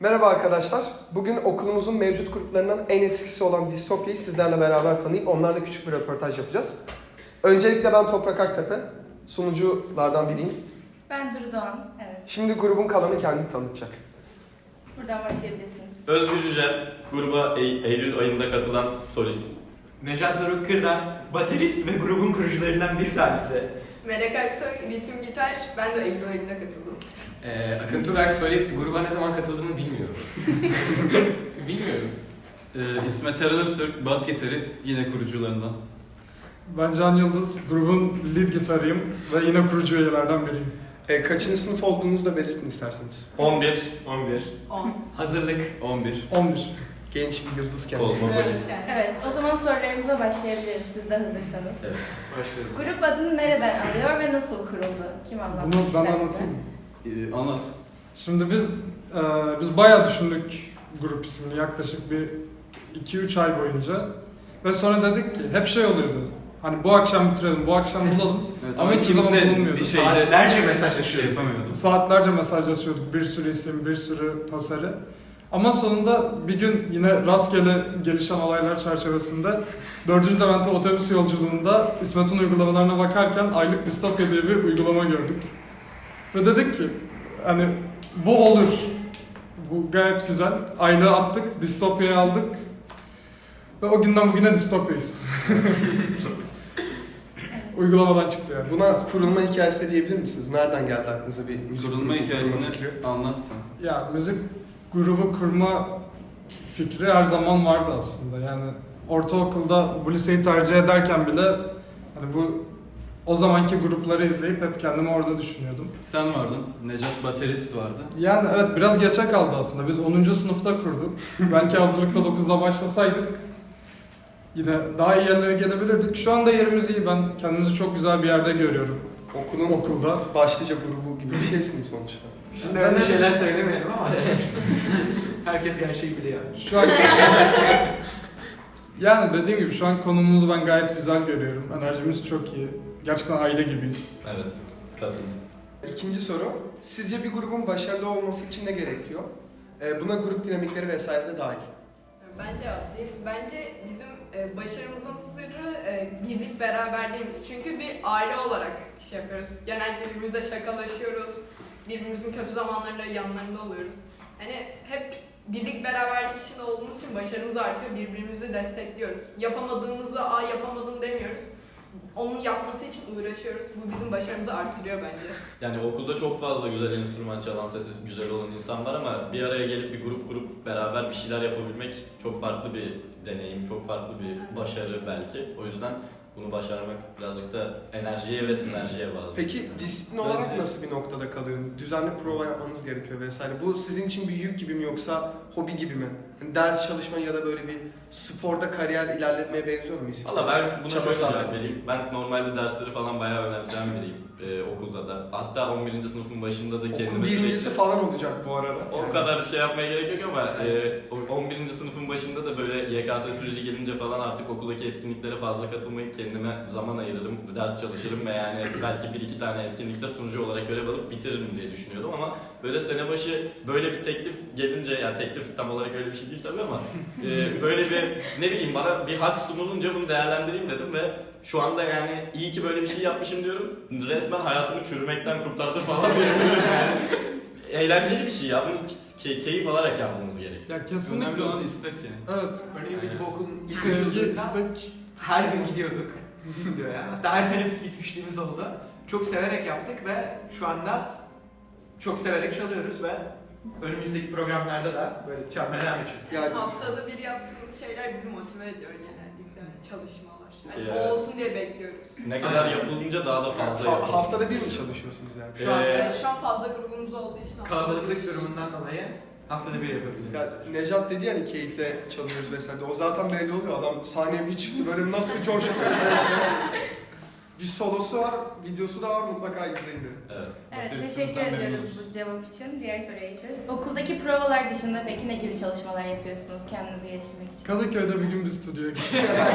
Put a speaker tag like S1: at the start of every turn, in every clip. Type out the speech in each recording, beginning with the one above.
S1: Merhaba arkadaşlar. Bugün okulumuzun mevcut gruplarından en eskisi olan Distopya'yı sizlerle beraber tanıyıp onlarla küçük bir röportaj yapacağız. Öncelikle ben Toprak Aktepe, sunuculardan biriyim.
S2: Ben Duru Doğan, evet.
S1: Şimdi grubun kalanı kendini tanıtacak.
S2: Buradan başlayabilirsiniz.
S3: Özgür Yücel, gruba Eylül ayında katılan solist.
S4: Nejat Doruk Kırdan, baterist ve grubun kurucularından bir tanesi.
S5: Melek Aksoy, ritim gitar. Ben de Eylül ayında katıldım.
S6: Akıntılar solist, gruba ne zaman katıldığımı bilmiyorum. Bilmiyorum.
S3: İsmet Eren Öztürk, bas gitarist, yine kurucularından.
S7: Ben Can Yıldız, grubun lead gitarıyım ve yine kurucu üyelerden biriyim.
S1: Kaçıncı sınıf olduğunuzu da belirtin isterseniz.
S3: 11.
S5: 10.
S6: Hazırlık.
S3: 11.
S7: 11.
S1: Genç bir yıldız kendisi.
S3: Kozmopolit.
S2: Evet, o zaman sorularımıza başlayabiliriz siz de hazırsanız.
S3: Evet.
S4: Başlayalım.
S2: Grup adını nereden alıyor ve nasıl kuruldu? Kim anlatmak
S7: Bunu ben
S2: ister bize?
S7: anlatayım mı?
S3: Anlat.
S7: Şimdi biz bayağı düşündük grup ismini yaklaşık bir 2-3 ay boyunca. Ve sonra dedik ki hep şey oluyordu. Hani bu akşam bitirelim, bu akşam bulalım.
S3: Evet,
S7: Ama hiçbir zaman bulunmuyordu.
S3: bir şeyde
S4: Saatlerce mesajlaşıyorduk.
S3: şey yapamıyordu.
S7: Saatlerce mesajlaşıyorduk. Bir sürü isim, bir sürü tasarı. Ama sonunda bir gün yine rastgele gelişen olaylar çerçevesinde 4. Levent'e otobüs yolculuğunda İsmet'in uygulamalarına bakarken aylık Distopya diye bir uygulama gördük. Ve dedik ki hani bu olur. Bu gayet güzel. Aylığı attık, Distopya'yı aldık. Ve o günden bugüne Distopya'yız. Uygulamadan çıktı yani.
S1: Buna kurulma hikayesi de diyebilir misiniz? Nereden geldi aklınıza bir müzik
S3: Kurulma
S1: grubu
S3: hikayesini
S1: kurma fikri?
S3: anlatsan.
S7: Ya müzik grubu kurma fikri her zaman vardı aslında. Yani ortaokulda bu liseyi tercih ederken bile hani o zamanki grupları izleyip hep kendimi orada düşünüyordum.
S3: Sen vardın, Necat baterist vardı.
S7: Yani evet biraz geçe kaldı aslında. Biz 10. sınıfta kurduk. Belki hazırlıkta 9'da başlasaydık yine daha iyi yerlere gelebilirdik. Şu anda yerimiz iyi. Ben kendimizi çok güzel bir yerde görüyorum. Okulda.
S1: Başlıca grubu gibi bir şeysiniz sonuçta.
S4: Şimdi öyle şeyler söylemeyelim ama herkes gerçeği biliyor.
S7: Şu an yani dediğim gibi şu an konumumuzu ben gayet güzel görüyorum. Enerjimiz çok iyi. Gerçekten aile gibiyiz.
S3: Evet, katıldım.
S1: İkinci soru. Sizce bir grubun başarılı olması için ne gerekiyor? Buna grup dinamikleri vesaire de dahil.
S5: Ben cevaplayayım. Bence bizim başarımızın sırrı birlik beraberliğimiz. Çünkü bir aile olarak şey yapıyoruz. Genelde birbirimizle şakalaşıyoruz. Birbirimizin kötü zamanlarında yanlarında oluyoruz. Hani hep birlik beraberlik içinde olduğumuz için başarımız artıyor. Birbirimizi destekliyoruz. Yapamadığımızda yapamadın demiyoruz. Onun yapması için uğraşıyoruz. Bu bizim başarımızı artırıyor bence.
S3: Yani okulda çok fazla güzel enstrüman çalan, sesi güzel olan insan var ama bir araya gelip bir grup kurup beraber bir şeyler yapabilmek çok farklı bir deneyim, çok farklı bir başarı belki. O yüzden bunu başarmak birazcık da enerjiye ve sinerjiye bağlı.
S1: Peki disiplin olarak nasıl bir noktada kalıyor? Düzenli prova yapmanız gerekiyor vesaire. Bu sizin için bir yük gibi mi yoksa hobi gibi mi? Yani ders çalışma ya da böyle bir sporda kariyer ilerletmeye benziyor mu?
S3: Valla ben buna
S1: Çaba
S3: şöyle
S1: sarf
S3: cevap
S1: etmek.
S3: vereyim. Ben normalde dersleri falan bayağı önemseyen biriyim okulda da. Hatta 11. sınıfın başında da kendime
S1: Okul birincisi
S3: sürekli...
S1: falan olacak bu arada.
S3: O kadar şey yapmaya gerek yok ama 11. sınıfın başında da böyle YKS süreci gelince falan artık okuldaki etkinliklere fazla katılmayıp kendime zaman ayırırım, ders çalışırım ve yani belki bir iki tane etkinlikte sunucu olarak görev alıp bitiririm diye düşünüyordum ama böyle sene başı böyle bir teklif gelince, yani teklif tam olarak öyle bir şey değil tabii ama böyle bir ne bileyim bana bir hak sunulunca bunu değerlendireyim dedim ve şu anda yani iyi ki böyle bir şey yapmışım diyorum. Resmen hayatımı çürümekten kurtardı falan diyebilirim yani. Eğlenceli bir şey ya. Bunu keyif alarak yapmanız gerekiyor.
S7: Ya kesinlikle.
S3: Önemli olan istek yani.
S7: Evet.
S4: Örneğin biz bu okulun ilk
S7: Sevgi,
S4: açıldığında
S7: istek.
S4: her gün gidiyorduk diyor. Hatta her teneffüs gitmişliğimiz oldu. Çok severek yaptık ve şu anda çok severek çalıyoruz ve önümüzdeki programlarda da böyle çalmaya devam edeceğiz.
S1: Yani
S5: Haftada bir yaptığımız şeyler bizi motive ediyor genellikle. Çalışmalar. Yani
S3: Evet.
S5: o olsun diye bekliyoruz.
S3: Ne kadar yapılınca daha da fazla yapılsın.
S1: haftada bir mi çalışıyorsunuz yani?
S4: Şu an
S5: Şu an fazla grubumuz olduğu için haftada
S4: kalabalıklık
S5: bir.
S4: durumundan dolayı haftada bir yapabiliriz.
S1: Ya Nejat dedi yani keyifle çalıyoruz vesaire. O zaten belli oluyor. Adam sahneye bir çıktı böyle nasıl coşuyor vesaire. Bir solosu var, videosu da var, mutlaka izleyin derim.
S3: Evet.
S2: Evet, teşekkür ediyoruz bu cevap için. Diğer soruya geçiyoruz. Okuldaki provalar dışında peki ne gibi çalışmalar yapıyorsunuz kendinizi geliştirmek için?
S7: Kadıköy'de bir gün bir stüdyoya gittik.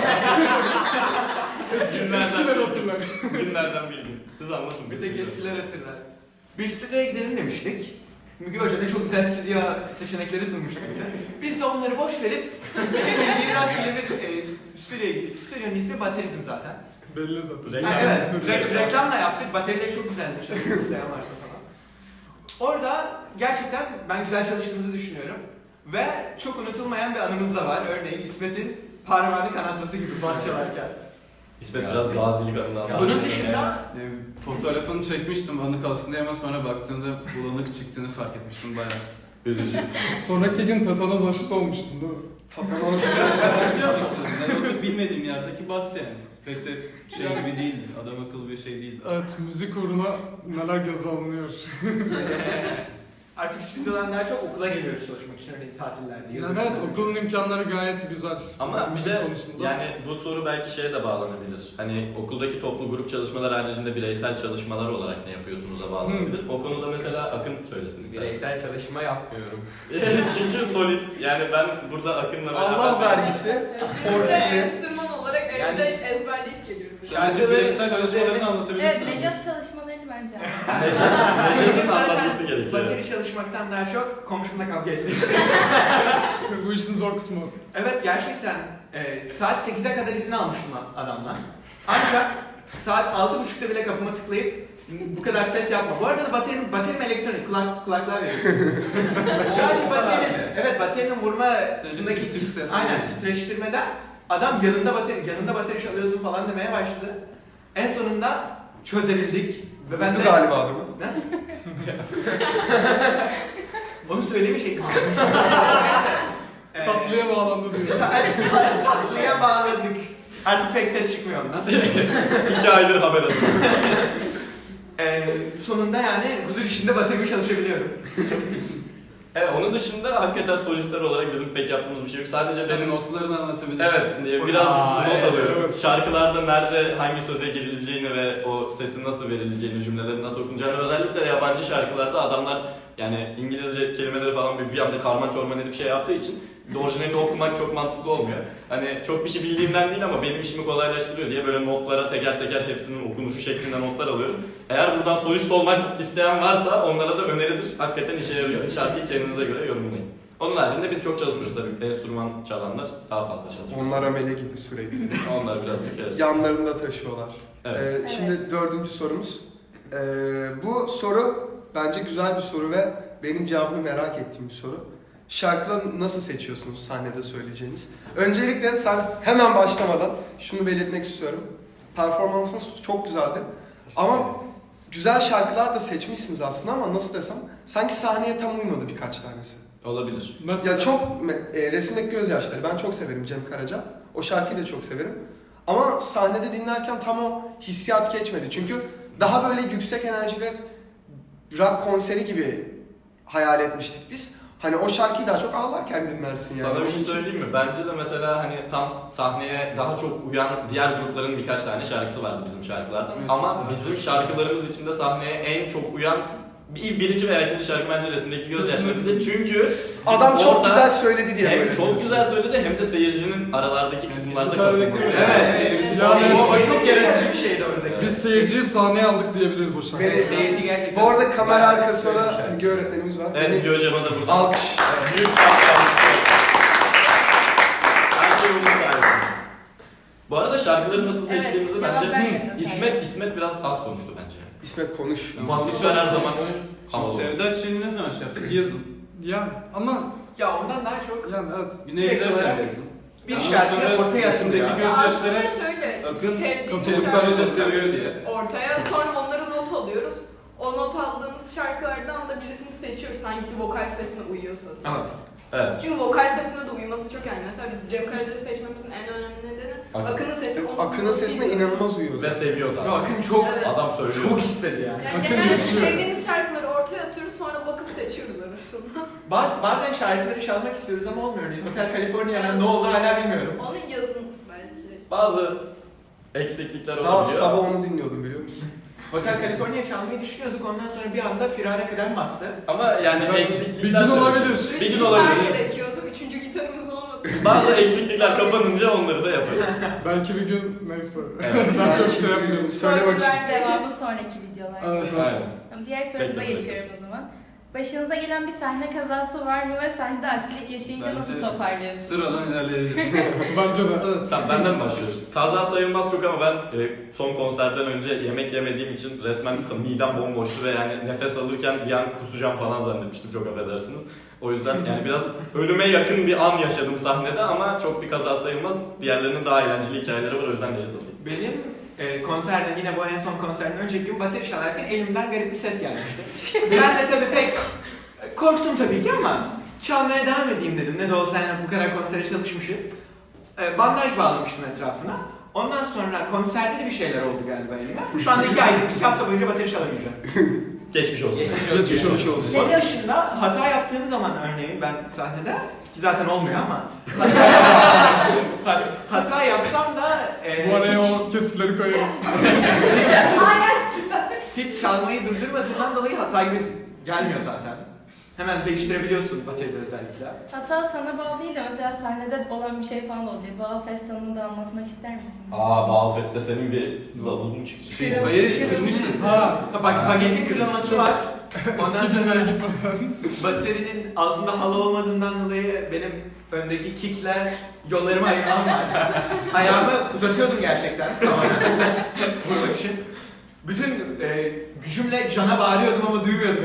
S3: Günlerden-
S7: Eskiler hatırlar.
S3: Günlerden bir gün. Siz anlatın.
S4: Bize eskiler hatırlar. Bir stüdyoya gidelim demiştik. Müge Hoca da çok güzel stüdyo seçenekleri sunmuştu bize. Biz de onları boş verip yeni rastgele bir stüdyoya gittik. Stüdyonun ismi Baterizm zaten.
S7: Belli zaten.
S4: Ha, evet, reklam da yaptık. Bateri de çok güzelmiş. İsteyen varsa falan. Orada gerçekten ben güzel çalıştığımızı düşünüyorum. Ve çok unutulmayan bir anımız da var. Örneğin İsmet'in parmağını kanatması gibi bas çalarken.
S3: İsmet biraz gazilik adından
S4: Bunun
S3: bahsediyor.
S4: dışında
S8: Fotoğrafını çekmiştim anı kalsın diye ama sonra baktığımda bulanık çıktığını fark etmiştim bayağı.
S3: Üzücü.
S7: Sonraki gün tetanoz aşısı olmuştun değil mi?
S1: Tatanoz.
S8: Anlatıyorduk sana. Ne olsa bilmediğim yerdeki bas yani. Pek de şey gibi değildi. Adam akıllı bir şey değildi.
S7: Evet, müzik uğruna neler göze alınıyor.
S4: artık stüdyodan daha çok okula geliyoruz çalışmak için. Örneğin tatillerde.
S7: Yani evet, okulun imkanları gayet güzel.
S3: Ama bir
S7: Müzik
S3: de
S7: konusunda.
S3: yani bu soru belki şeye de bağlanabilir. Hani okuldaki toplu grup çalışmalar haricinde bireysel çalışmalar olarak ne yapıyorsunuz'a bağlanabilir. O konuda mesela Akın söylesin istersen.
S6: Bireysel çalışma yapmıyorum.
S3: Çünkü solist yani ben burada Akın'la beraber...
S1: Allah vergisi, torpilli.
S5: Enstrüman olarak evde
S6: Yani-
S5: ezberleyip geliyorum.
S8: Sadece bireysel çalışmalarını anlatabilir
S2: Evet,
S8: misiniz?
S2: Nejat çalışmalarını bence
S3: Necdet'in
S4: Zaten
S3: anlatması gerekiyor.
S4: bateri çalışmaktan daha çok komşumla kavga etmek.
S7: Bu işin zor kısmı.
S4: Evet gerçekten saat 8'e kadar izin almıştım adamdan. Ancak saat 6.30'da bile kapıma tıklayıp bu kadar ses yapma. Bu arada da baterim elektronik, kulaklığa veriyorum. Sadece evet baterinin vurma
S8: Sadece tip tip ses.
S4: aynen titreştirmeden adam yanında bateri çalıyorsun falan demeye başladı. En sonunda çözebildik. Ve ben
S1: Vurdu
S4: de...
S1: galiba adamı.
S4: Ne? Onu söylemiştik.
S7: Tatlıya bağlandı diyor.
S4: Tatlıya bağladık. Artık pek ses çıkmıyor ondan.
S3: 2 aydır haber alıyorum.
S4: Sonunda yani huzur içinde baterimi çalışabiliyorum.
S3: Evet, onun dışında hakikaten solistler olarak bizim pek yaptığımız bir şey yok. Sadece
S8: Senin
S3: benim...
S8: notlarını anlatabilirsin.
S3: Evet, biraz not
S6: evet,
S3: alıyorum.
S7: evet.
S3: Şarkılarda nerede hangi söze girileceğini ve o sesin nasıl verileceğini, cümlelerin nasıl okunacağını, özellikle yabancı şarkılarda adamlar yani İngilizce kelimeleri falan bir anda karman çorman edip şey yaptığı için orijinalini okumak çok mantıklı olmuyor. Hani çok bir şey bildiğimden değil ama benim işimi kolaylaştırıyor diye böyle notlara teker teker hepsinin okunuşu şeklinde notlar alıyorum. Eğer buradan solist olmak isteyen varsa onlara da önerilir. Hakikaten işe yarıyor. Şarkıyı kendinize göre yorumlayın. Onun haricinde biz çok çalışmıyoruz tabii. Enstrüman çalanlar daha fazla çalışıyor.
S1: Onlar amele gibi sürekli.
S3: Onlar birazcık evet.
S1: Yanlarında taşıyorlar.
S3: Evet.
S1: Şimdi dördüncü sorumuz. Bu soru bence güzel bir soru ve benim cevabını merak ettiğim bir soru. Şarkıları nasıl seçiyorsunuz sahnede söyleyeceğiniz? Öncelikle sen hemen başlamadan şunu belirtmek istiyorum. Performansın çok güzeldi. Ama güzel şarkılar da seçmişsiniz aslında ama nasıl desem sanki sahneye tam uymadı birkaç tanesi.
S3: Olabilir.
S7: Mesela
S1: Ya çok resimdeki gözyaşları ben çok severim Cem Karaca. O şarkıyı da çok severim. Ama sahnede dinlerken tam o hissiyat geçmedi. Çünkü daha böyle yüksek enerjili rock konseri gibi hayal etmiştik biz. Hani o şarkıyı daha çok ağlarken dinlersin yani.
S3: Sana bir
S1: Onun
S3: şey
S1: için-
S3: söyleyeyim mi? Bence de mesela hani tam sahneye daha çok uyan diğer grupların birkaç tane şarkısı vardı bizim şarkılardan.
S8: Evet.
S3: Ama
S8: Evet.
S3: bizim şarkılarımız içinde sahneye en çok uyan birinci veya ikinci şarkı bence resimdeki gözyaşları. Çünkü
S1: Adam çok
S3: orada
S1: güzel söyledi diye
S3: hem
S1: böyle
S3: çok
S1: diyorsunuz.
S3: güzel söyledi hem de seyircinin aralardaki kısımlarda
S8: Bizim kadar
S3: katılması.
S8: beklemiyorum.
S4: Evet.
S7: Yani-
S4: o çok yaratıcı bir şeydi oradaki.
S7: biz seyirciyi sahneye aldık diyebiliriz o şarkıyı.
S1: Beni-
S6: Seyirci gerçekten...
S1: Bu arada kamera
S6: bayağı
S1: arkasında
S6: güzel bir
S1: da
S6: şarkı.
S1: Müge öğretmenimiz var.
S3: Evet,
S1: Beni
S3: Müge Hocam'a da burada.
S1: alkış.
S3: Büyük alkışlar. Her şey onun sayesinde. Bu arada şarkıları nasıl
S2: Evet,
S3: seçtiğimizi
S2: cevap
S3: bence
S2: vermedin
S3: İsmet biraz az konuştu bence.
S1: İsmet konuş.
S3: Basitler her zaman
S8: Şimdi
S3: havalı.
S8: Sevda Çiçeği'ni ne zaman şey yaptık? Yazın.
S7: Yani ama
S4: Ya ondan daha çok
S7: yani evet.
S8: Güney'e giderken yazın.
S4: bir
S8: Ondan
S4: şarkıyı
S8: sonra
S4: ortaya
S8: resimdeki
S4: atılıyor.
S5: Ya
S8: gözyaşları
S5: aslında şöyle,
S8: Akın
S5: sevdiğimiz
S8: Cem
S5: şarkı
S8: Karaca seviyor diye.
S5: ortaya, sonra onları not alıyoruz. O not aldığımız şarkılardan da birisini seçiyoruz hangisi vokal sesine uyuyorsa.
S4: Evet.
S3: Evet.
S5: Çünkü vokal sesine de uyuması çok önemli. Mesela biz Cem Karaca'yı seçmemizin en önemli nedeni Akın'ın sesi. onun
S1: Akın'ın sesine
S5: uyuması.
S1: inanılmaz uyuyor
S3: Ve
S1: zaten.
S3: seviyor da.
S4: Ve Akın çok
S5: Evet.
S3: Adam söylüyor.
S4: çok istedi yani.
S5: Yani
S7: Akın
S5: genelde
S7: yaşıyor.
S5: sevdiğimiz şarkıları ortaya atıyoruz sonra bakıp seçiyoruz arasında.
S4: Bazen şarkıları çalmak istiyoruz ama olmuyor. Örneğin Hotel California'nın ne olduğunu hala bilmiyorum.
S5: Onu yazın bence.
S3: Bazı eksiklikler
S1: Daha
S3: olabiliyor.
S1: sabah onu dinliyordum biliyor musun?
S4: Hotel California çalmayı düşünüyorduk. Ondan sonra bir anda firara kıdem bastı.
S3: Ama yani
S7: Ben-
S3: eksiklikler...
S7: bir gün olabilir.
S3: Bir gün
S5: gitar
S3: olabilir.
S5: gerekiyordu. Üçüncü gitarımız olmadı.
S3: Bazı eksiklikler kapanınca onları da yaparız.
S7: Belki bir gün neyse.
S3: Evet.
S7: Ben çok şey yapmıyorum.
S1: Söyle bakayım.
S2: Devamı sonraki videolarda.
S7: Evet
S3: Aynen.
S7: evet.
S2: Tamam, diğer sorumuza
S3: Bekle,
S2: geçiyorum o zaman. Başınıza gelen bir sahne kazası var mı ve sahnede aksilik yaşayınca
S8: Bence
S2: nasıl toparlıyorsunuz?
S8: Sıradan ilerleyebiliriz.
S7: Bence de evet.
S3: Tamam, benden mi başlıyoruz? Kaza sayılmaz çok ama ben son konserden önce yemek yemediğim için resmen midem bomboştu ve yani nefes alırken bir an kusacağım falan zannetmiştim, çok affedersiniz. O yüzden yani biraz ölüme yakın bir an yaşadım sahnede ama çok bir kaza sayılmaz. Diğerlerinin daha eğlenceli hikayeleri var, o yüzden Necdet alayım.
S4: Benim konserden, yine bu en son konserden önceki gün bateri çalarken elimden garip bir ses gelmişti. Ben de tabii pek korktum tabii ki ama çalmaya devam edeyim dedim. Ne de olsa yani bu kadar konsere çalışmışız. Bandaj bağlamıştım etrafına. Ondan sonra konserde de bir şeyler oldu galiba elimde. Şu anda 2 hafta boyunca bateri çalamayacağım.
S3: Geçmiş olsun.
S7: Geçmiş olsun.
S4: Onun dışında hata yaptığım zaman örneğin ben sahnede, ki zaten olmuyor ama hata yapsam da
S7: Bu araya o kesitleri koyarız.
S4: hiç çalmayı durdurmadığından dolayı hata gibi gelmiyor zaten. Hemen değiştirebiliyorsun bateride özellikle.
S2: Hatta sana bağlı değil de mesela sahnede olan bir şey falan oluyor. Bağ Festan'ı da anlatmak ister misin?
S3: Balfest'te senin bir lavulun çıktı.
S8: Bayırı kırmıştın.
S7: Ha.
S4: Bak spagetti kırılması var. Ondan
S7: Eski günlere
S4: sonra
S7: gitmeden.
S4: baterinin altında halı olmadığından dolayı benim öndeki kickler yollarımı ayırmam var. Ayağımı uzatıyordum gerçekten. Vurmak için. Bütün gücümle cana bağırıyordum ama duymuyordum.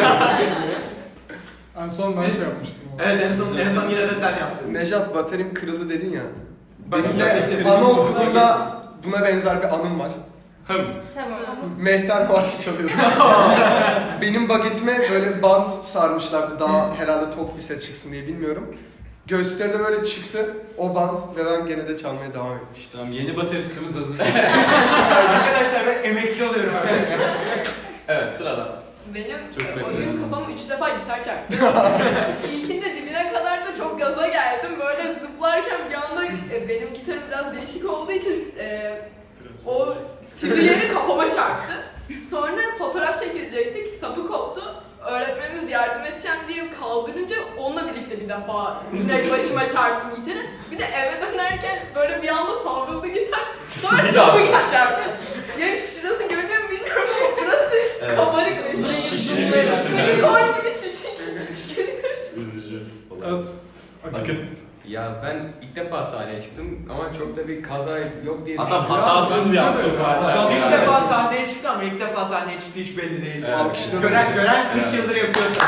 S7: En son ben şey yapmıştım.
S4: Evet, en son yine de sen yaptın.
S1: Nejat, baterim kırıldı dedin ya.
S4: Bak,
S1: Benim
S4: baterim-
S1: de anaokulunda buna benzer bir anım var.
S2: Tamam.
S1: Mehter marşı çalıyordum. Benim bagetime böyle bant sarmışlardı, daha herhalde tok bir ses çıksın diye, bilmiyorum. Gösteride böyle çıktı o bant ve ben gene de çalmaya devam etmiştim.
S8: Tamam, yeni bateristimiz hazır.
S4: Arkadaşlar ben emekli oluyorum artık.
S3: Evet, sıradan.
S5: Benim
S8: Çok
S5: o
S8: bekledim.
S5: gün kafama 3 defa gitar çarptı. İlkinde dibine kadar da çok gaza geldim. Böyle zıplarken bir anda benim gitarım biraz değişik olduğu için o sivri yeri kafama çarptı. Sonra fotoğraf çekilecektik, sapı koptu. Öğretmenimiz yardım edeceğim diye kaldırınca onunla birlikte bir defa yine başıma çarptım gitarı. Bir de eve dönerken böyle bir anda savruldu gitar. Sonra
S3: Bir daha
S5: sapı çarptı. Yani şurası görünüyor mu bilmiyorum ama burası kabarık ve
S3: Şişmiş.
S5: silikon gibi şişik.
S3: Üzücü.
S7: Evet.
S3: Akın.
S6: Ya ben ilk defa sahneye çıktım ama çok da bir kaza yok diye
S3: Adam
S6: düşünüyorum.
S3: hatasız
S7: bence de
S3: yaptı
S7: hatasız.
S3: zaten.
S4: İlk defa sahneye çıktı ama ilk defa sahneye çıktı hiç belli değil.
S3: Evet.
S1: Alkışladım.
S4: Gören 40
S3: Evet.
S4: yıldır yapıyorsa.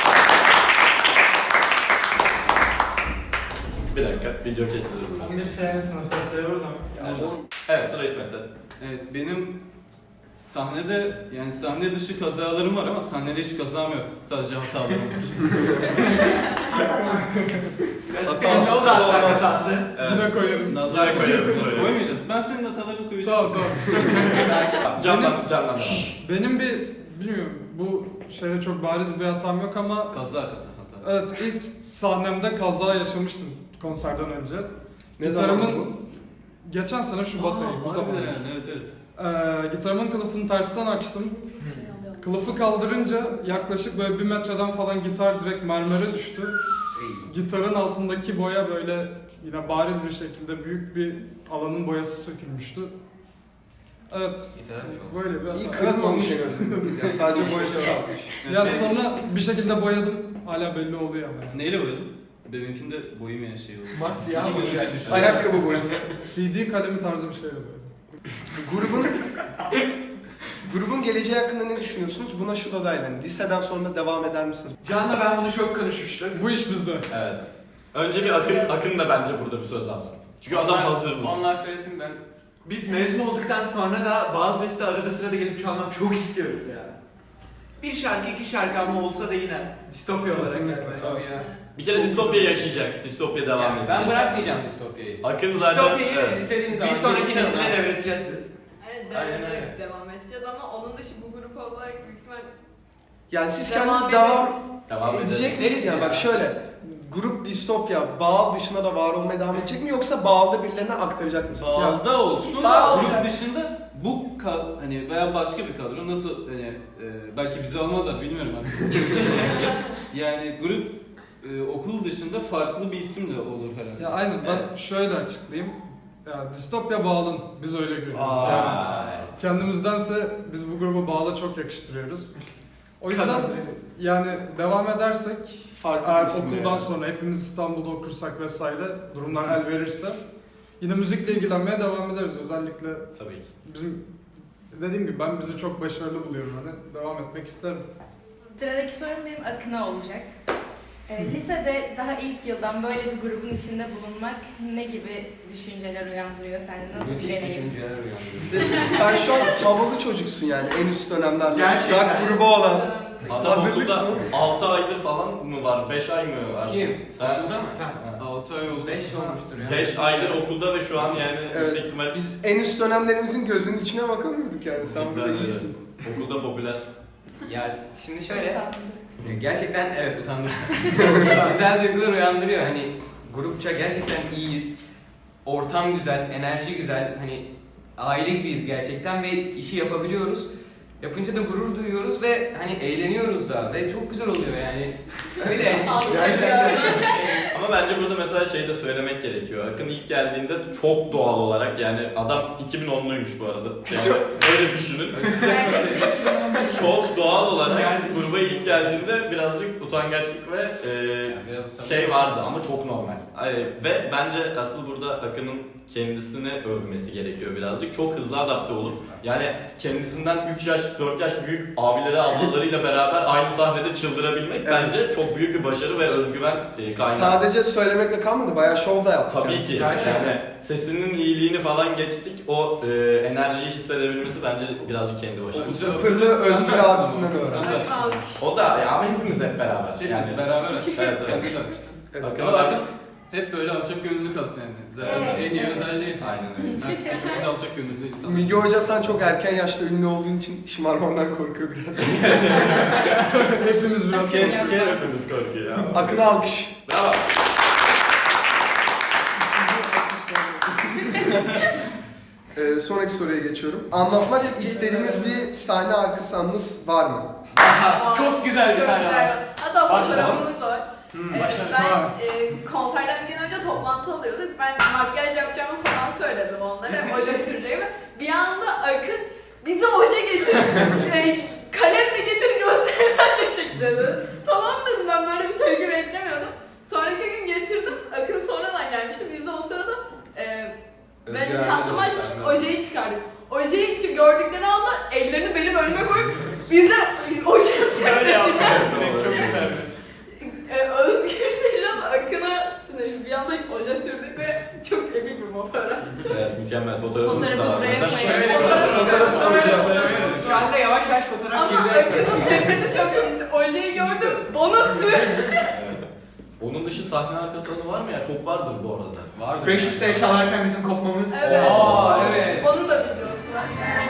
S3: Bir dakika, video kesilir biraz.
S4: Bir fen sınıfta burada.
S3: Evet, sıra İsmet'te.
S8: Evet, benim sahnede, yani sahne dışı kazalarım var ama sahnede hiç kazam yok. Sadece hatalarım var.
S4: Ne oldu hatta kazası?
S7: Yine koyarız.
S3: Nazar koyarız buraya.
S8: Koymayacağız. Ben senin hatalarını koyacağım.
S7: Tamam.
S3: Candan devam.
S7: Benim bilmiyorum, bu şeyde çok bariz bir hatam yok ama
S8: Kaza hata.
S7: evet, ilk sahnemde kaza yaşamıştım konserden önce.
S1: Ne zaman bu?
S7: Gitarımın geçen sene Şubat ayı, bu zaman.
S8: Yani, evet.
S7: Gitarımın kılıfını tersten açtım. Kılıfı kaldırınca yaklaşık böyle 1 metreden falan gitar direkt mermere düştü. Gitarın altındaki boya böyle yine bariz bir şekilde büyük bir alanın boyası sökülmüştü. Evet,
S6: Güzelmiş o.
S1: İyi
S7: böyle bir hata. Evet,
S1: kırılmamış
S7: olmuş.
S1: en azından. Ya sadece boyası kalmış.
S7: Yani sonra bir şekilde boyadım. Hala belli oluyor ama.
S8: Neyle boyadın? Benimkinde boyamayan şey oldu.
S4: Mat siyah mı?
S1: Ayakkabı boyası.
S7: CD kalemi tarzı bir şeyle boyadım.
S1: Grubun geleceği hakkında ne düşünüyorsunuz? Buna şu da dahil. Liseden sonra devam eder misiniz?
S4: Can'la ben bunu çok konuşmuştuk.
S7: Bu iş bizde.
S3: Evet. Önce bir Akın da bence burada bir söz alsın. Çünkü adam hazır bu.
S6: Onlar söylesin, ben
S4: Biz mezun olduktan sonra da bazı feste arada sırada gelip çalmak çok istiyoruz ya. Bir şarkı, 2 şarkı ama olsa da yine distopya olarak.
S7: Kesinlikle,
S4: yani.
S6: tabii ya.
S3: Bir kere distopya yaşayacak. Distopya devam
S6: Yani
S3: edecek.
S6: ben bırakmayacağım distopyayı.
S3: Akın zaten...
S4: Distopyayı
S3: Evet.
S6: Siz istediğiniz zaman
S4: Bir sonraki
S6: gelin çalın
S4: nesile
S6: ha.
S4: devredeceğiz biz.
S5: Evet,
S6: Aynen
S5: devrederek
S6: öyle.
S5: devam edeceğiz ama onun dışı bu grup olarak büyük ihtimal
S1: Yani siz
S5: devam
S1: kendiniz
S5: ederiz.
S3: Devam edecek.
S1: edecek misiniz? Yani bak şöyle. Grup distopya, Bağıl dışında da var olmaya devam edecek mi, yoksa Bağıl'da birilerine aktaracak mısınız?
S8: Bağda olsun
S5: Bağ
S8: da
S5: olacak.
S8: grup dışında bu hani veya başka bir kadro nasıl hani belki bizi almazlar bilmiyorum artık. Yani grup okul dışında farklı bir isim de olur herhalde.
S7: Ya aynen, ben şöyle açıklayayım. Ya distopya Bağlın, biz öyle görüyoruz. Yani
S3: Aa.
S7: kendimizdense biz bu grubu Bağla çok yakıştırıyoruz. O yüzden yani devam edersek
S1: Farklı
S7: eğer
S1: bir isim
S7: okuldan
S1: yani.
S7: sonra hepimiz İstanbul'da okursak vesaire durumlar el verirse yine müzikle ilgilenmeye devam ederiz. Özellikle
S3: Tabii ki.
S7: bizim dediğim gibi ben bizi çok başarılı buluyorum, hani devam etmek isterim.
S2: Sıradaki sorum benim Akın'a olacak. Lisede daha ilk yıldan böyle bir grubun içinde bulunmak ne gibi düşünceler uyandırıyor sende? Nasıl bir
S6: Müthiş
S2: deneyim?
S6: düşünceler uyandırıyor.
S1: İşte sen şu an havalı çocuksun yani en üst dönemlerde.
S4: Gerçekten.
S1: Rock grubu olan.
S3: Adam
S1: Hazırlıksın
S3: okulda
S1: oğlum.
S3: 6 aydır falan mı var? 5 ay mı var?
S6: Kim?
S3: Sen?
S6: Okulda mı?
S4: Sen.
S8: 6 ay oldu.
S6: 5 olmuştur ya.
S3: 5 aydır okulda ve şu an yani
S1: Evet.
S3: yüksek ihtimal
S1: Biz en üst dönemlerimizin gözünün içine bakamıyorduk yani. Sen burada
S3: Cidden öyle.
S1: iyisin.
S3: okulda popüler.
S6: Ya şimdi şöyle,
S2: Utandım.
S6: gerçekten evet utandım. Güzel duygular uyandırıyor. Hani grupça gerçekten iyiyiz. Ortam güzel, enerji güzel. Hani aile gibiyiz gerçekten ve işi yapabiliyoruz. Yapınca da gurur duyuyoruz ve hani eğleniyoruz da ve çok güzel oluyor yani. Öyle. Gerçekten.
S3: Ama bence burada mesela şey de söylemek gerekiyor. Akın ilk geldiğinde çok doğal olarak yani adam 2010'luymuş bu arada. Yani öyle düşünün.
S2: Neredeyse 2011.
S3: Çok doğal olarak
S4: Yani-
S3: gruba ilk geldiğinde birazcık utangaçlık ve
S6: Biraz utandım.
S3: şey vardı ama çok normal. Ve bence asıl burada Akın'ın kendisini övmesi gerekiyor birazcık. Çok hızlı adapte olup yani kendisinden 3 yaş 4 yaş büyük abileri ablalarıyla beraber aynı sahnede çıldırabilmek
S1: Evet.
S3: bence çok büyük bir başarı ve özgüven kaynağı.
S1: Sadece söylemekle kalmadı, bayağı şov da yaptık.
S3: Tabii
S1: kendisi.
S3: ki. Yani sesinin iyiliğini falan geçtik. O enerjiyi hissedebilmesi bence birazcık kendi başarısı.
S1: Sıfırlı Özgür abisinden öğrendim.
S3: O da ya ama hepimiz hep beraber.
S8: Hepimiz beraber açtık.
S3: Evet, evet.
S8: Kendi de açtık.
S1: Evet.
S3: Akın
S8: Ama
S3: Akın.
S8: Akın hep böyle alçak gönüllü kalsın yani. Zaten
S2: Evet.
S8: en iyi özelliği.
S3: Aynen öyle.
S8: Hepimiz alçak gönüllü insanlar.
S1: Müge Hoca sen çok erken yaşta ünlü olduğun için şımarmandan korkuyor biraz.
S7: Hepimiz biraz
S3: Kes hepimiz korkuyor ya.
S1: Akın'a alkış.
S3: Bravo.
S1: Sonraki soruya geçiyorum. Anlatmak istediğiniz bir sahne arkası anınız var mı?
S6: Çok güzel bir tane var.
S5: Hatta
S6: Başlayalım.
S5: fotoğrafımız var.
S6: Başlayalım.
S5: Ben konserden bir gün önce toplantı alıyorduk. Ben makyaj yapacağımı falan söyledim onlara. Oje süreceğimi. Bir anda Akın bize oje getir. Kalem de getir göstersen çekeceğiz. Tamam dedim, ben böyle bir tepki beklemiyordum. Sonraki gün getirdim. Akın sonradan gelmişti. Biz de o sırada benim çantamı açmıştık, ojeyi çıkardık. Ojeyi gördükleri anda ellerini benim önüme koyup bize oje
S6: Öyle yapmaya
S3: Çok
S6: çok güzel.
S5: Özgür Sejan Akın'a bir anda oje sürdük ve çok epik bir fotoğraf.
S3: Evet, mükemmel fotoğrafımız da
S2: Fotoğrafı
S3: var.
S2: buraya
S3: zaten.
S2: koyalım.
S1: Fotoğrafı koyacağız.
S4: Şu anda yavaş yavaş fotoğraf
S5: Ama
S4: girdi.
S5: Akın'ın tepkisi çok komikti. Ojeyi gördüm, bana sür.
S3: Evet. Onun dışı sahne arkası anı var mı ya? Çok vardır bu arada.
S6: Vardı.
S4: 500'te çalarken bizim kopmamız.
S5: Evet.
S6: Aa, evet.
S5: Onun da videosu var.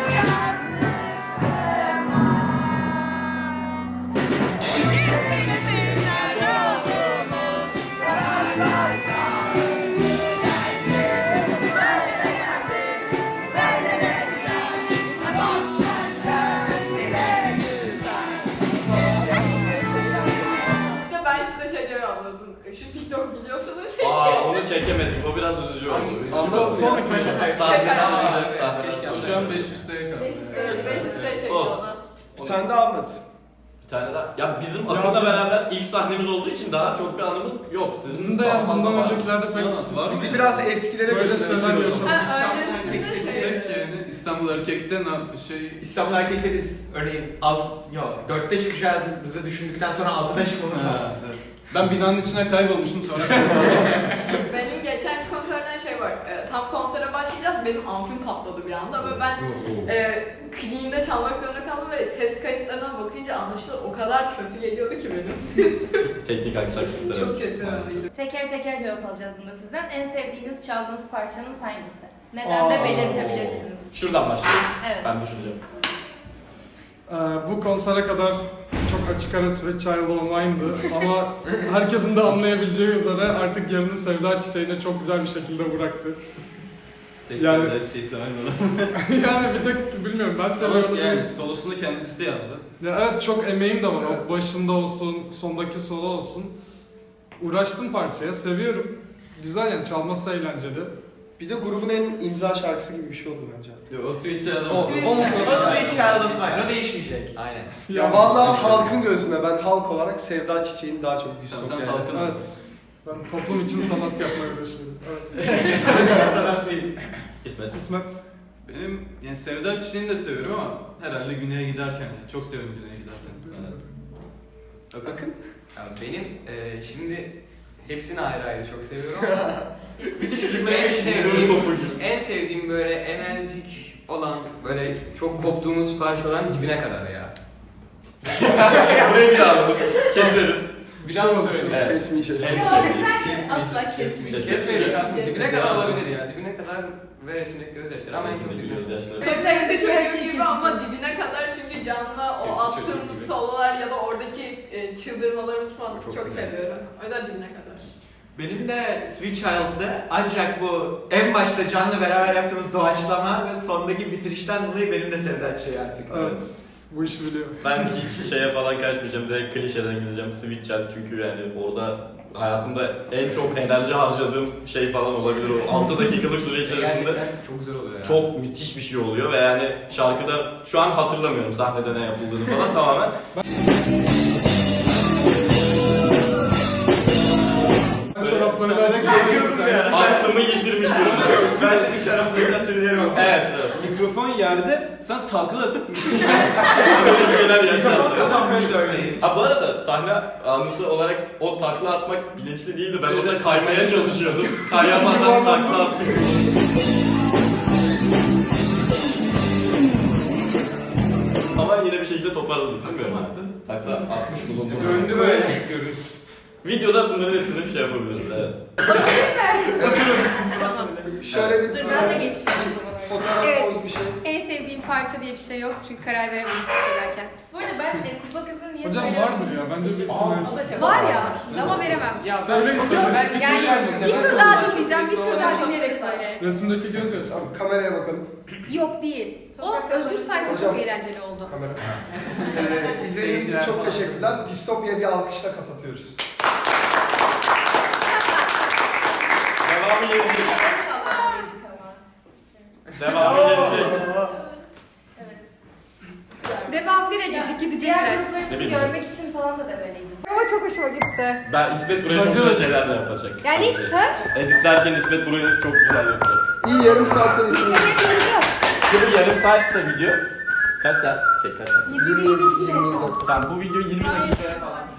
S5: Bir de ben size şey diyorum abladım. Şu TikTok videosunu çekin.
S3: Onu çekemedik. O biraz üzücü oldu.
S6: Hangisi?
S1: Anlatsın.
S7: Sonraki
S3: Sahneden
S5: Aa,
S3: olacak.
S6: evet,
S3: Sahneden
S6: keşke
S3: olacak.
S8: Şu an 500'te kaldı.
S5: 500 çekiyor
S3: Olsun.
S5: ona.
S1: Bir tane daha anlat.
S3: Bir tane daha. Ya bizim
S7: Ya
S3: Akın'la
S7: biz-
S3: beraber ilk sahnemiz olduğu için daha çok bir anımız yok. Sizin
S7: Bizim de yani
S3: fazla
S7: bundan
S3: var.
S7: öncekilerde
S8: Sana
S7: pek
S8: var mı
S1: Bizi
S8: yani?
S1: biraz eskilere
S7: Böyle
S1: götürmüştür
S7: şeyler
S1: o zaman.
S7: yaşadık.
S5: Ha,
S8: İstanbul
S5: öncesinde
S8: erkekte
S5: şey.
S8: gitsek yani İstanbul erkekte ne yap şey
S4: İstanbul erkekte biz örneğin 4'te çıkacağımızı düşündükten sonra 6'da çıkmamız lazım.
S8: Ha, evet. Ben binanın içine kaybolmuştum sonra.
S5: Benim geçen konserden şey var. Tam konsere başlayacağız. Benim amfim patladı bir anda ve ben kliniğinde çalmak zorunda kaldım ve ses kayıtlarına bakınca anlaşılır o kadar kötü geliyordu ki benim.
S3: Teknik aksaklıklar.
S5: Çok kötü
S3: maalesef.
S5: öyleydi.
S2: Teker teker cevap alacağız bunda sizden. En sevdiğiniz çaldığınız parçanız hangisi? Neden de belirtebilirsiniz.
S3: Şuradan başlayalım.
S2: Evet.
S3: Ben düşüneceğim.
S7: Bu konsere kadar çok açık ara Sweet Child O' Mine'dı ama herkesin de anlayabileceği üzere artık yerini Sevda Çiçeği'ne çok güzel bir şekilde bıraktı.
S8: Tek
S7: Yani-
S8: yani... şey seven adam.
S7: Yani bir tek bilmiyorum ben
S8: Ama
S7: seviyorum.
S8: yani solosunu kendisi yazdı.
S7: Ya evet çok emeğim de var.
S1: Evet.
S7: O başında olsun, sondaki solo olsun. Uğraştım parçaya, seviyorum. Güzel yani çalması eğlenceli.
S1: Bir de grubun en imza şarkısı gibi bir şey oldu bence artık.
S3: Yo, o Switch'e
S6: O
S3: alalım.
S4: O Sweet Child of Mine, o değişmeyecek.
S6: Aynen.
S1: Ya vallahi halkın gözünde ben halk olarak Sevda Çiçeği'ni daha çok
S3: Sen
S1: distopya.
S3: halkın
S7: Evet. Ben toplum için sanat yapmaya uğraşıyorum. Evet.
S4: Sanat değil.
S3: İsmet.
S7: İsmet.
S8: Benim yani Sevda Çiçeği'ni de seviyorum ama herhalde güneye giderken yani. Çok severim güneye giderken.
S3: Evet.
S1: Bakın.
S6: Ya benim şimdi hepsini ayrı ayrı çok seviyorum ama
S4: Bütün çocukların
S6: en
S4: hepsini
S6: sevdiğim,
S3: topu gibi.
S6: en sevdiğim böyle enerjik olan, böyle çok koptuğumuz parça olan Dibine Kadar ya.
S3: Burayı bir daha alalım. Keseriz.
S6: Bir daha mı söyleyeyim?
S3: Evet.
S1: Kesmeyeceğiz.
S3: En
S2: Yok,
S3: sevdiğim.
S2: asla kesmeyeceğiz.
S6: Kesmeyelim aslında. Dibine
S2: Kesmeyelim.
S6: Kadar olabilir ya. Dibine Kadar ve resimdeki gözyaşları ama en çok
S3: Resimdeki
S6: Dibine Kadar.
S3: gözyaşları.
S5: Çok da yüksek çocuğu gibi ama dibine kadar çünkü Can'la o
S6: Hepsi çocuğu
S5: attığımız
S6: gibi.
S5: sololar ya da oradaki çıldırmalarımız falan
S6: Çok
S5: çok
S6: güzel.
S5: seviyorum. O yüzden dibine kadar.
S4: Benim de Sweet Child'da ancak bu en başta Can'la beraber yaptığımız doğaçlama ve sondaki bitirişten dolayı benim de Sevda Çiçeği artık.
S7: Evet. Bu işi biliyor.
S3: Ben hiç şeye falan kaçmayacağım. Direkt klişeden gideceğim. Switch Child çünkü yani orada hayatımda en çok enerji harcadığım şey falan olabilir. O 6 dakikalık süre içerisinde
S6: Gerçekten çok güzel oluyor ya.
S3: çok müthiş bir şey oluyor ve yani şarkıda şu an hatırlamıyorum sahnede ne yapıldığını falan tamamen.
S7: Çoraplarıyla
S4: kaçıyordum ya.
S3: Aklımı yitirmiş durumdayım.
S4: Ben Sweet Child'ı hatırlıyorum.
S3: Evet.
S8: Mikrofon yerde sen takla atıp
S3: Böyle şeyler yaşandı.
S4: Kapanmış örneğin.
S3: Ha bu arada sahne anısı olarak o takla atmak bilinçli değildi. Ben orada kaymaya çalışıyordum. Kayamadan takla atmış. Ama yine bir şekilde toparladık bilmiyorum. Takla atmış bulundum.
S6: Döndü böyle.
S3: Videoda bunların hepsini bir şey yapabiliriz evet.
S9: Tamam.
S1: Şöyle bir
S2: Dur ben de geçeceğim o zaman.
S1: fotoğraf
S9: Evet.
S1: poz bir şey.
S9: En sevdiğim parça diye bir şey yok çünkü karar veremedim size söylerken.
S2: Bu arada ben Kupa Kızı'nı niye
S7: Hocam
S2: söylüyorum?
S7: vardır ya, bence bir
S2: O da
S7: isim
S2: çok
S9: Var
S2: var.
S9: ya aslında ama veremem.
S6: Ya
S7: Söyleyin,
S6: ben,
S7: söyleyin.
S6: ben
S9: Yani bir tur daha dinleyeceğim, bir tur daha
S2: Çok
S9: dinleyerek
S2: güzel.
S9: söyle.
S7: Resimdeki gözyaşı.
S1: Tamam, kameraya bakalım.
S9: Yok değil. O Özgür sayesinde
S1: Hocam.
S9: çok eğlenceli oldu.
S1: Kamera. İzlediğiniz için çok teşekkürler. Distopya bir alkışla kapatıyoruz.
S3: Devamı gelecek.
S2: Ama.
S3: Devamı gelecek.
S2: Evet.
S9: Devam direkt
S2: Diğer
S9: gelecek gidecekler.
S2: gruplarımızı
S3: Ne bileyim.
S2: görmek için falan da demeliydim.
S9: Ama çok hoşuma gitti.
S3: Ben İsmet buraya çok
S7: Bence
S3: güzel
S7: de.
S3: şeyler de yapacak.
S9: Yani
S3: Bence.
S9: işte
S3: Editlerken İsmet burayı çok güzel yapacak.
S1: İyi yarım saatten içinde.
S3: Şimdi yarım saatse video. Kaç saat? Kaç saat?
S9: 20
S3: Tamam bu video 20 dakikaya falan.